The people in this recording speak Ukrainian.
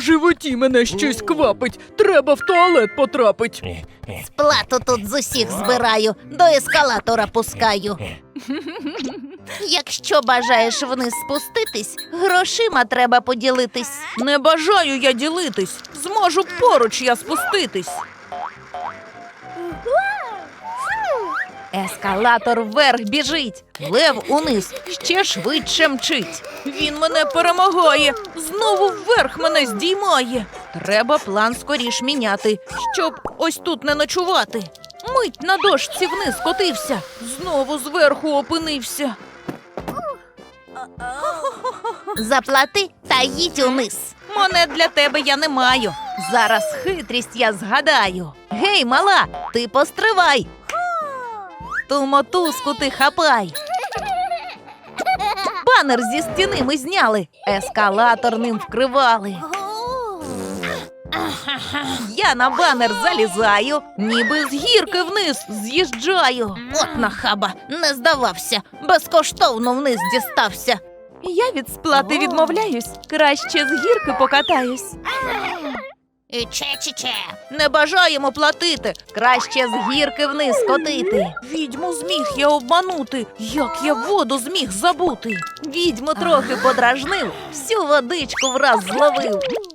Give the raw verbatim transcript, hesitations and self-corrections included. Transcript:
животі мене щось квапить. Треба в туалет потрапить. Сплату тут з усіх збираю, до ескалатора пускаю. Якщо бажаєш вниз спуститись, грошима треба поділитись. Не бажаю я ділитись, зможу поруч я спуститись. Ескалатор вверх біжить, лев униз ще швидше мчить. Він мене перемагає, знову вверх мене здіймає. Треба план скоріш міняти, щоб ось тут не ночувати. Мить на дошці вниз котився, знову зверху опинився. Заплати та їдь униз. Монет для тебе я не маю. Зараз хитрість я згадаю. Гей, мала, ти постривай. Ту мотузку ти хапай. Банер зі стіни ми зняли, ескалатор ним вкривали. Я на банер залізаю, ніби з гірки вниз з'їжджаю. От нахаба, не здавався, безкоштовно вниз дістався. Я від сплати відмовляюсь, краще з гірки покатаюсь. Че-че-че. Не бажаємо платити, Краще з гірки вниз котити. відьму зміг я обманути, як я воду зміг забути. Відьму трохи подражнив, всю водичку враз зловив.